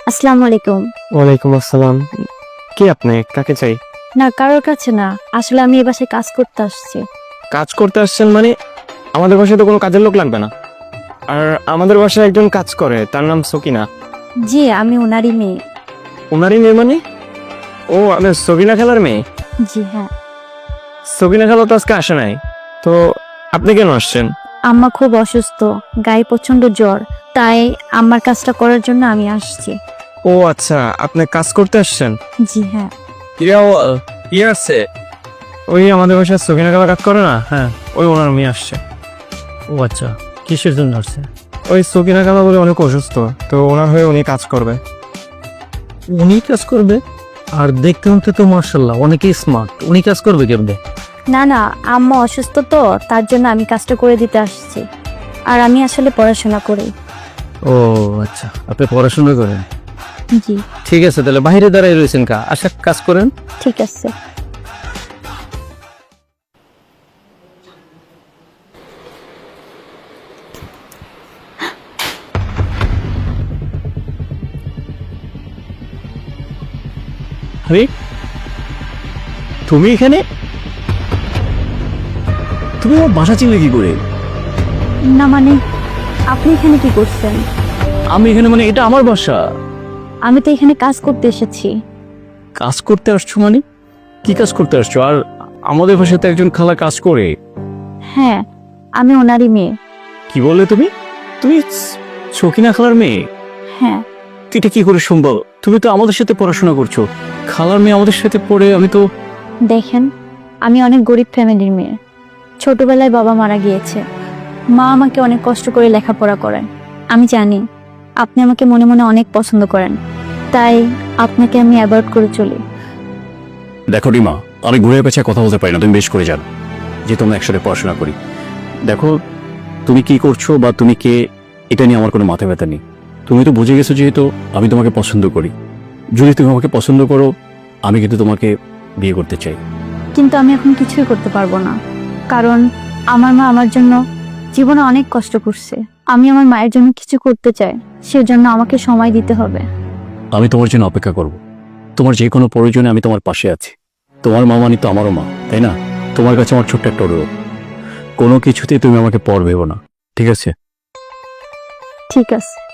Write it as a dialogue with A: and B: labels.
A: আসসালামু আলাইকুম।
B: ওয়ালাইকুম আসসালাম। কি আপনি কাকে চাই?
A: না, কারোর কাছে না, আসলে আমি এই বাসায় কাজ করতে আসছি।
B: কাজ করতে আসছেন মানে? আমাদের বাসায় তো কোনো কাজের লোক লাগবে না। আর আমাদের বাসায় একজন কাজ করে, তার নাম সকিনা।
A: জি, আমি ওনারই মেয়ে।
B: ওনারই মেয়ে মানে? ও আমি সকিনা খালার মেয়ে।
A: জি হ্যাঁ।
B: সকিনা খালা তো আজকে আসে নাই, তো আপনি কেন আসছেন?
A: আম্মা খুব অসুস্থ, গায়ে প্রচন্ড জ্বর, তাই আম্মার কাজটা করার জন্য আমি আসছি।
B: ও আচ্ছা, আপনি কাজ করতে আসছেন?
A: জি হ্যাঁ।
B: কি আসছে? ওই আমাদের বাসায় সকিনা খালা কাজ করে না, হ্যাঁ ওই ওনার মেয়ে আসছে।
C: ও আচ্ছা, কিসের জন্য আসছে?
B: ওই সকিনা খালা বলে অনেক অসুস্থ, তো ওনার হয়ে উনি কাজ করবে।
C: উনি কাজ করবে? আর দেখতে হতে তো মার্শাল্লাহ অনেকেই স্মার্ট, উনি কাজ করবে কেমনে?
A: না না, আম্মা অসুস্থ তো, তার জন্য আমি কাজটা করে দিতে আসছি। আর আমি আসলে পড়াশোনা করি।
C: ও আচ্ছা, আপনি পড়াশোনা করেন?
A: জি
C: ঠিক আছে, তাহলে বাইরে দাঁড়াই রয়েছেন কা, আশা কাজ করেন।
A: ঠিক আছে।
C: আরে তুমি এখানে? তুমি আমার বাসা চিনলে কি করে?
A: না মানে, আপনি এখানে কি করছেন?
C: আমি এখানে মানে এটা আমার বাসা।
A: আমি তো এখানে কাজ করতে এসেছি।
C: কাজ করতে আসছো মানে? কি কাজ করতে আসছো? আর আমাদের বাসাতে একজন খালা কাজ করে।
A: হ্যাঁ, আমি ওনারই মেয়ে।
C: কি বললে তুমি? তুমি সকিনা খালার মেয়ে?
A: হ্যাঁ।
C: এটা কি করে সম্ভব? তুমি তো আমাদের সাথে পড়াশোনা করছো, খালার মেয়ে আমাদের সাথে পড়ে। আমি তো
A: দেখেন, আমি অনেক গরিব ফ্যামিলির মেয়ে। ছোটবেলায় বাবা মারা গিয়েছে, মা আমাকে অনেক কষ্ট করে লেখাপড়া করেন। আমি জানি আপনি আমাকে মনে মনে অনেক পছন্দ করেন, তাই আপনাকে আমি অ্যাভয়েড করে চলি।
D: দেখো রিমা, আমি ঘুরে পেছে কথা বলতে পারি না, তুমি বেশ করে জানো যে তোমরা একসাথে পড়াশোনা করি। দেখো, তুমি কি করছো বা তুমি কে, এটা নিয়ে আমার কোনো মাথা ব্যথা নেই। তুমি তো বুঝে গেছো যেহেতু আমি তোমাকে পছন্দ করি। যদি তুমি আমাকে পছন্দ করো, আমি কিন্তু তোমাকে বিয়ে করতে চাই।
A: কিন্তু আমি এখন কিছুই করতে পারবো না, কারণ আমার মা আমার জন্য জীবনে অনেক কষ্ট করছে। আমি আমার মায়ের জন্য কিছু করতে চাই, সেজন্য আমাকে সময় দিতে হবে।
D: আমি তোমার জন্য অপেক্ষা করব। তোমার যে কোনো প্রয়োজনে আমি তোমার পাশে আছি। তোমার মা মানে তো আমারও মা, তাই না? তোমার কাছে আমার ছোট্ট একটা অনুরোধ, কোনো কিছুতেই তুমি আমাকে পর ভেবো না, ঠিক আছে?
A: ঠিক আছে।